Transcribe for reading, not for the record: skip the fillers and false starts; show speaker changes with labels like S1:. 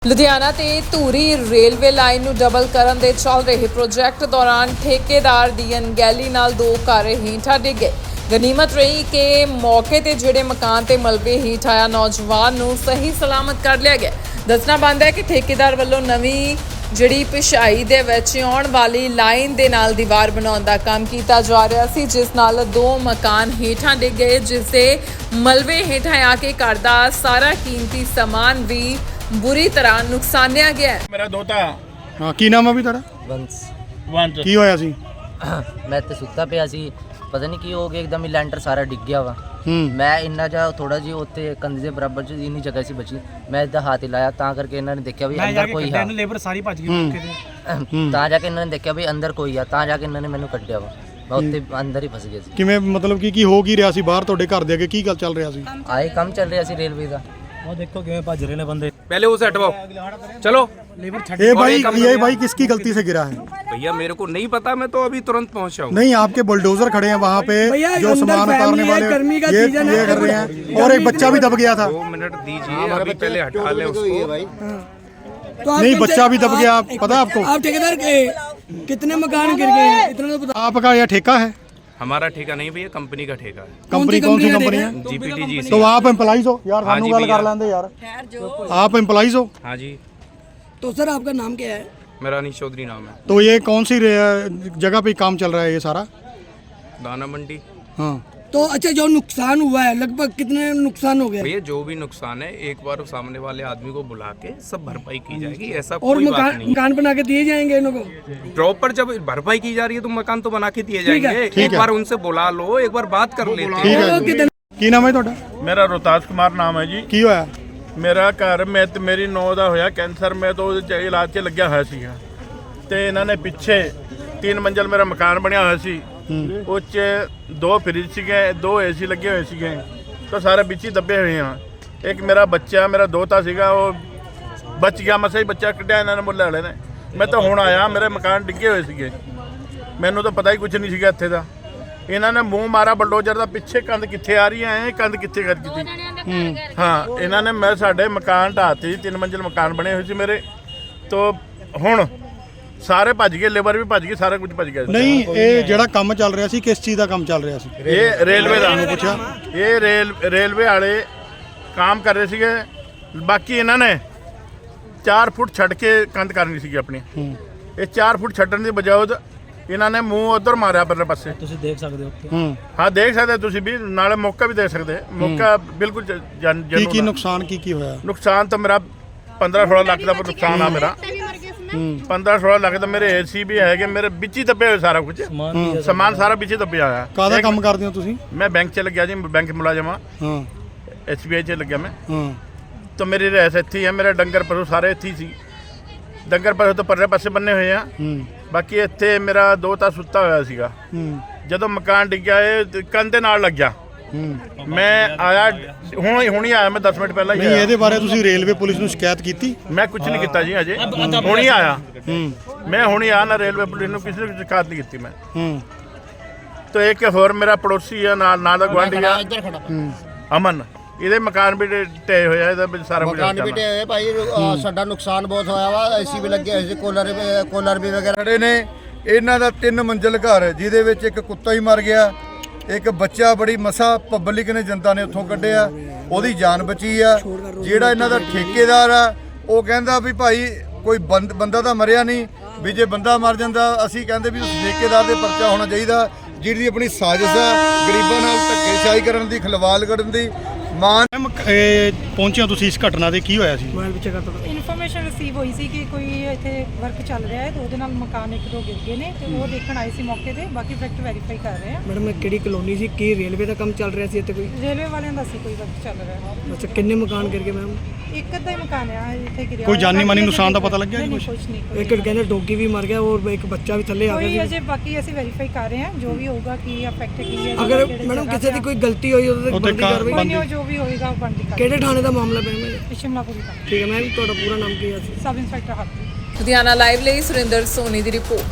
S1: ਲੁਧਿਆਣਾ ਤੇ Dhuri railway line ਨੂੰ double ਕਰਨ ਦੇ ਚੱਲ ਰਹੇ ਪ੍ਰੋਜੈਕਟ ਦੌਰਾਨ ਠੇਕੇਦਾਰ ਦੀ ਅਣਗਹਿਲੀ ਨਾਲ ਦੋ ਘਰ ਹੇਠਾਂ ਡਿੱਗ ਗਏ। ਗਨੀਮਤ ਰਹੀ ਕਿ ਮੌਕੇ ਤੇ ਜਿਹੜੇ ਮਕਾਨ ਤੇ ਮਲਬੇ ਹੇਠ ਆਇਆ ਨੌਜਵਾਨ ਨੂੰ ਸਹੀ ਸਲਾਮਤ ਕਰ ਲਿਆ ਗਿਆ। ਦੱਸਣਾ ਬਣਦਾ ਹੈ ਕਿ ਠੇਕੇਦਾਰ ਵੱਲੋਂ ਨਵੀਂ ਜਿਹੜੀ ਪਿਛਾਈ ਦੇ ਵਿੱਚ ਆਉਣ ਵਾਲੀ ਲਾਈਨ ਦੇ ਨਾਲ ਦੀਵਾਰ ਬਣਾਉਣ ਦਾ ਕੰਮ ਕੀਤਾ ਜਾ ਰਿਹਾ ਸੀ, ਜਿਸ ਨਾਲ ਦੋ ਮਕਾਨ ਹੇਠਾਂ ਡਿੱਗ ਗਏ, ਜਿਸ ਦੇ ਮਲਬੇ ਹੇਠਾਂ ਆ ਕੇ ਘਰ ਦਾ ਸਾਰਾ ਕੀਮਤੀ ਸਮਾਨ ਵੀ बुरी तरह नुकसानिया गया है।
S2: मेरा दोता
S3: हाँ की नाम है भी तेरा
S2: वंश
S3: की होया सी
S4: मैं तो सुता पिया सी, पता नहीं की हो गया, एकदम ही लैंटर सारा डिग गया वा। मैं इन्ना जा थोड़ा जी उत्ते कंधे दे बराबर च इन्नी जगह सी बची, मैं इधर हाथ हिलाया तां करके इन्होंने देखा भी अंदर कोई है, लेबर सारी भज गई मौके ते तां जाके इन्होंने देखा भी अंदर कोई है, तां जाके इन्होंने मैनू कड्ढिया वा। मैं उत्ते अंदर ही फस गया सी।
S3: किवें मतलब की हो की रहा सी बाहर ਤੁਹਾਡੇ ਘਰ ਦੇ ਅੱਗੇ ਕੀ ਗੱਲ ਚੱਲ ਰਿਹਾ ਸੀ?
S4: आए काम चल रहा सी रेलवे का,
S5: वो देखो किवें भज रहे ने बंदे।
S2: पहले उसे हटवाओ, चलो।
S3: ये भाई किसकी गलती से गिरा है?
S2: भैया मेरे को नहीं पता, मैं तो अभी तुरंत पहुंचा हूँ।
S3: नहीं, आपके बुलडोजर खड़े हैं वहाँ पे जो सामान उतारने वाले ये कर रहे हैं और एक बच्चा भी दब गया था।
S2: 2 मिनट दीजिए, अभी पहले हटा ले उसको।
S3: नहीं, बच्चा भी दब गया, पता आपको?
S6: आप ठेकेदार के कितने मकान गिर गए हैं इतना तो बता।
S3: आपका यह ठेका है?
S2: हमारा ठेका नहीं भैया, कंपनी का ठेका है।
S3: कंपनी कौन सी कंपनी है?
S2: जीपीटी।
S3: तो आप एम्प्लॉइज हो यार?
S2: हाँ जी
S3: गल कर लेंदे यार, आप एम्प्लॉइज हो?
S2: हाँ जी।
S6: तो सर आपका नाम क्या है?
S2: मेरा अनीश चौधरी नाम है।
S3: तो ये कौन सी जगह पे काम चल रहा है ये सारा?
S2: दाना मंडी।
S3: हाँ,
S6: तो अच्छा जो नुकसान हुआ है लगभग कितने नुकसान हो गया?
S2: भैया जो भी नुकसान है एक बार सामने वाले आदमी को बुला के सब भरपाई की जाएगी, ऐसा
S6: और
S2: कोई बात नहीं।
S6: मकान बना के दिए जाएंगे इनको?
S2: प्रॉपर जब भरपाई की जा रही है तो मकान तो बना के दिए जाएंगे। एक बार उनसे बुला लो, एक बार बात कर लेते हैं।
S3: की नाम है ਤੁਹਾਡਾ?
S7: मेरा रोहतास कुमार नाम है जी।
S3: ਕੀ ਹੋਇਆ?
S7: मेरा घर मैं ਤੇ ਮੇਰੀ ਨੌ ਦਾ ਹੋਇਆ ਕੈਂਸਰ, ਮੈਂ ਤਾਂ ਉਹਦੇ 'ਚ ਇਲਾਜ 'ਚ ਲੱਗਿਆ ਹੋਇਆ ਸੀਗਾ ਤੇ ਇਹਨਾਂ ਨੇ ਪਿੱਛੇ 3 ਮੰਜ਼ਲ ਮੇਰਾ ਮਕਾਨ ਬਣਿਆ ਹੋਇਆ ਸੀ, ਉਹ 'ਚ 2 ਫਰਿੱਜ ਸੀਗੇ, 2 ਏਸੀ ਲੱਗੇ ਹੋਏ ਸੀਗੇ, ਤਾਂ ਸਾਰੇ ਵਿੱਚ ਹੀ ਦੱਬੇ ਹੋਏ ਆ। ਇੱਕ ਮੇਰਾ ਬੱਚਾ, ਮੇਰਾ ਦੋਤਾ ਸੀਗਾ, ਉਹ ਬਚ ਗਿਆ, ਮਸਾਂ ਹੀ ਬੱਚਾ ਕੱਢਿਆ ਇਹਨਾਂ ਨੇ ਮੁੱਲੇ ਵਾਲੇ ਨੇ। ਮੈਂ ਤਾਂ ਹੁਣ ਆਇਆ, ਮੇਰੇ ਮਕਾਨ ਡਿੱਗੇ ਹੋਏ ਸੀਗੇ, ਮੈਨੂੰ ਤਾਂ ਪਤਾ ਹੀ ਕੁਝ ਨਹੀਂ ਸੀਗਾ ਇੱਥੇ ਦਾ। ਇਹਨਾਂ ਨੇ ਮੂੰਹ ਮਾਰਾ ਬਲਡੋਜ਼ਰ ਦਾ, ਪਿੱਛੇ ਕੰਧ ਕਿੱਥੇ ਆ ਰਹੀ ਹੈ, ਕੰਧ ਕਿੱਥੇ ਕਰ ਦਿੱਤੀ। ਹਾਂ, ਇਹਨਾਂ ਨੇ ਮੈਂ ਸਾਡੇ ਮਕਾਨ ਢਾਤੀ, 3 ਮੰਜ਼ਿਲ ਮਕਾਨ ਬਣੇ ਹੋਏ ਸੀ ਮੇਰੇ, ਤੋਂ ਹੁਣ ਸਾਰੇ ਭੱਜ ਗਏ, ਲੇਬਰ ਵੀ ਭੱਜ ਗਈ, ਸਾਰਾ ਕੁਝ ਭੱਜ ਗਿਆ।
S3: ਨਹੀਂ, ਇਹ ਜਿਹੜਾ ਕੰਮ ਚੱਲ ਰਿਹਾ ਸੀ ਕਿਸ ਚੀਜ਼ ਦਾ ਕੰਮ ਚੱਲ ਰਿਹਾ ਸੀ?
S7: ਇਹ ਰੇਲਵੇ ਦਾ
S3: ਨੂੰ ਪੁੱਛਿਆ,
S7: ਇਹ ਰੇਲਵੇ ਵਾਲੇ ਕੰਮ ਕਰ ਰਹੇ ਸੀਗੇ। ਬਾਕੀ ਇਹਨਾਂ ਨੇ 4 ਫੁੱਟ ਛੱਡ ਕੇ ਕੰਧ ਕਰਨੀ ਸੀਗੀ ਆਪਣੀ, ਇਹ 4 ਫੁੱਟ ਛੱਡਣ ਦੀ ਬਜਾਏ ਇਹਨਾਂ ਨੇ ਮੂੰਹ ਉਧਰ ਮਾਰਿਆ ਪਰਲੇ ਪਾਸੇ।
S5: ਤੁਸੀਂ ਦੇਖ ਸਕਦੇ ਹੋ।
S7: ਹਾਂ, ਦੇਖ ਸਕਦੇ ਤੁਸੀਂ ਵੀ, ਨਾਲੇ ਮੌਕਾ ਵੀ ਦੇਖ ਸਕਦੇ। ਮੌਕਾ ਬਿਲਕੁਲ
S3: ਕੀ ਨੁਕਸਾਨ ਕੀ ਹੋਇਆ?
S7: ਨੁਕਸਾਨ ਤਾਂ ਮੇਰਾ 15-16 ਲੱਖ ਦਾ ਨੁਕਸਾਨ ਆ ਮੇਰਾ। 15-16 ਲੱਖ ਦਾ ਮੇਰੇ ਏਸੀ ਵੀ ਹੈਗੇ, ਮੇਰੇ ਵਿੱਚ ਹੀ ਦੱਬੇ ਹੋਏ ਸਾਰਾ ਕੁਝ, ਸਮਾਨ ਸਾਰਾ ਵਿੱਚ ਹੀ ਦੱਬਿਆ ਹੋਇਆ।
S3: ਕਾਹਦਾ ਕੰਮ ਕਰਦੇ ਹੋ ਤੁਸੀਂ?
S7: ਮੈਂ ਬੈਂਕ 'ਚ ਲੱਗਿਆ ਜੀ, ਬੈਂਕ ਮੁਲਾਜ਼ਮ ਆ।
S3: ਹਾਂ,
S7: SBI 'ਚ ਲੱਗਿਆ ਮੈਂ।
S3: ਹਾਂ,
S7: ਤਾਂ ਮੇਰੀ ਰਹਿਸ ਇੱਥੇ ਹੀ ਹੈ, ਮੇਰੇ ਡੰਗਰ ਪਸ਼ੂ ਸਾਰੇ ਇੱਥੇ ਹੀ ਸੀ। ਡੰਗਰ ਪਸ਼ੂ ਤਾਂ ਪਰਲੇ ਪਾਸੇ ਬੰਨੇ ਹੋਏ ਆ, ਬਾਕੀ ਇੱਥੇ ਮੇਰਾ ਦੋਤਾ ਸੁੱਤਾ ਹੋਇਆ ਸੀਗਾ। ਜਦੋਂ ਮਕਾਨ ਡਿੱਗਿਆ ਇਹ ਕੰਧ ਦੇ ਨਾਲ ਲੱਗਿਆ, ਮੈਂ ਆਇਆ ਹੁਣ ਹੀ ਆਇਆ, ਮੈਂ 10 ਮਿੰਟ ਪਹਿਲਾਂ ਹੀ
S3: ਨਹੀਂ,
S7: ਆਇਆ।
S3: ਇਹਦੇ ਬਾਰੇ ਤੁਸੀਂ ਰੇਲਵੇ ਪੁਲਿਸ ਨੂੰ ਸ਼ਿਕਾਇਤ ਕੀਤੀ?
S7: ਮੈਂ ਕੁਝ ਨਹੀਂ ਕੀਤਾ ਜੀ, ਅਜੇ ਹੁਣ ਹੀ ਆਇਆ। ਮੈਂ ਹੁਣ ਹੀ ਆਇਆ, ਨਾ ਰੇਲਵੇ ਪੁਲਿਸ ਨੂੰ ਕਿਸੇ ਨੂੰ ਸ਼ਿਕਾਇਤ ਨਹੀਂ ਕੀਤੀ ਮੈਂ। ਤਾਂ ਇੱਕ ਹੋਰ ਮੇਰਾ ਪੜੋਸੀ ਆ, ਨਾਲ ਦਾ ਗੁਆਂਢੀ ਆ ਅਮਨ, ਇਹਦੇ ਮਕਾਨ ਵੀ ਢੇ ਹੋਇਆ, ਇਹਦਾ ਵੀ ਸਾਰਾ ਕੁਝ
S8: ਮਕਾਨ ਵੀ ਢੇ ਹੋਏ ਭਾਈ। ਸਾਡਾ ਨੁਕਸਾਨ ਬਹੁਤ ਹੋਇਆ ਵਾ, ਏਸੀ ਵੀ ਲੱਗੇ ਹੋਏ ਸੀ, ਕੂਲਰ ਵੀ ਵਗੈਰਾ
S9: ਖੜੇ ਨੇ। ਇਹਨਾਂ ਦਾ 3 ਮੰਜ਼ਿਲ ਘਰ ਹੈ, ਜਿਹਦੇ ਵਿੱਚ ਇੱਕ ਕੁੱਤਾ ਹੀ ਮਰ ਗਿਆ, ਇੱਕ ਬੱਚਾ ਬੜੀ ਮਸਾ ਪਬਲਿਕ ਨੇ, ਜਨਤਾ ਨੇ ਉੱਥੋਂ ਕੱਢਿਆ, ਉਹਦੀ ਜਾਨ ਬਚੀ ਆ। ਜਿਹੜਾ ਇਹਨਾਂ ਦਾ ਠੇਕੇਦਾਰ ਆ ਉਹ ਕਹਿੰਦਾ ਵੀ ਭਾਈ ਕੋਈ ਬੰਦਾ ਤਾਂ ਮਰਿਆ ਨਹੀਂ, ਵੀ ਜੇ ਬੰਦਾ ਮਰ ਜਾਂਦਾ ਅਸੀਂ ਕਹਿੰਦੇ ਵੀ ਉਸ ਠੇਕੇਦਾਰ ਦੇ ਪਰਚਾ ਹੋਣਾ ਚਾਹੀਦਾ, ਜਿਹਦੀ ਆਪਣੀ ਸਾਜ਼ਿਸ਼ ਆ ਗਰੀਬਾਂ ਨਾਲ ਧੱਕੇਸ਼ਾਹੀ ਕਰਨ ਦੀ, ਖਲਵਾਲ ਕਰਨ ਦੀ।
S3: ਪਹੁੰਚਿਆ ਤੁਸੀਂ ਇਸ ਘਟਨਾ ਦੇ, ਕੀ ਹੋਇਆ ਸੀ?
S10: ਇਨਫੋਰਮੇਸ਼ਨ ਰਿਸੀਵ ਹੋਈ ਸੀ ਕਿ ਕੋਈ ਇੱਥੇ ਵਰਕ ਚੱਲ ਰਿਹਾ ਹੈ ਤੇ ਉਹਦੇ ਨਾਲ ਮਕਾਨ 1-2 ਗਿਰ ਗਏ ਨੇ, ਤੇ ਉਹ ਦੇਖਣ ਆਏ ਸੀ ਮੌਕੇ ਤੇ। ਬਾਕੀ ਫੈਕਟ ਵੈਰੀਫਾਈ ਕਰ ਰਹੇ ਆ।
S6: मैडम ਕਿਹੜੀ ਕਲੋਨੀ ਸੀ? ਕੀ ਰੇਲਵੇ ਦਾ ਕੰਮ ਚੱਲ ਰਿਹਾ ਸੀ ਇੱਥੇ? ਕੋਈ
S10: ਰੇਲਵੇ ਵਾਲਿਆਂ ਦਾ ਸੀ ਕੋਈ ਵਰਕ ਚੱਲ ਰਿਹਾ ਹੈ।
S6: ਅੱਛਾ, ਕਿੰਨੇ ਮਕਾਨ ਗਿਰ ਗਏ ਮੈਮ?
S10: ਇੱਕ ਅੱਧਾ ਹੀ ਮਕਾਨ ਆ ਇੱਥੇ ਗਿਰਿਆ।
S3: ਕੋਈ ਜਾਨੀ ਮਾਨੀ ਨੁਕਸਾਨ ਦਾ ਪਤਾ ਲੱਗਿਆ ਜੀ
S10: ਕੁਝ ਨਹੀਂ।
S6: ਇੱਕ ਕਹਿੰਦੇ ਡੋਗੀ ਵੀ ਮਰ ਗਿਆ ਔਰ ਇੱਕ ਬੱਚਾ ਵੀ ਥੱਲੇ ਆ
S10: ਕੋਈ
S6: ਗਿਆ
S10: ਅਜੇ ਬਾਕੀ ਅਸੀਂ ਵੈਰੀਫਾਈ ਕਰ ਰਹੇ ਹਾਂ, ਜੋ ਵੀ ਹੋਊਗਾ ਕੀ ਇਫੈਕਟ ਕੀ ਹੈ।
S6: ਅਗਰ ਮੈਡਮ ਕਿਸੇ ਦੀ ਕੋਈ ਗਲਤੀ ਹੋਈ ਉਹਦੇ ਤੇ ਬਣਦੀ ਕਾਰਵਾਈ?
S10: ਕੋਈ ਨਹੀਂ, ਜੋ ਵੀ ਹੋਏਗਾ ਉਹ ਬਣਦੀ ਕਾਰਵਾਈ।
S6: ਕਿਹੜੇ ਥਾਣੇ ਦਾ ਮਾਮਲਾ ਪਿਆ ਮੈਮ?
S10: ਸ਼ਿਮਲਾਪੁਰੀ ਦਾ।
S6: ਠੀਕ ਹੈ ਮੈਮ, ਤੁਹਾਡਾ ਪੂਰਾ ਨਾਮ ਕੀ ਹੈ?
S10: ਸਬ ਇੰਸਪੈਕਟਰ ਹੱਥ।
S1: ਲੁਧਿਆਣਾ ਲਾਈਵ ਲਈ ਸੁਰਿੰਦਰ ਸੋਨੀ ਦੀ ਰਿਪੋਰਟ।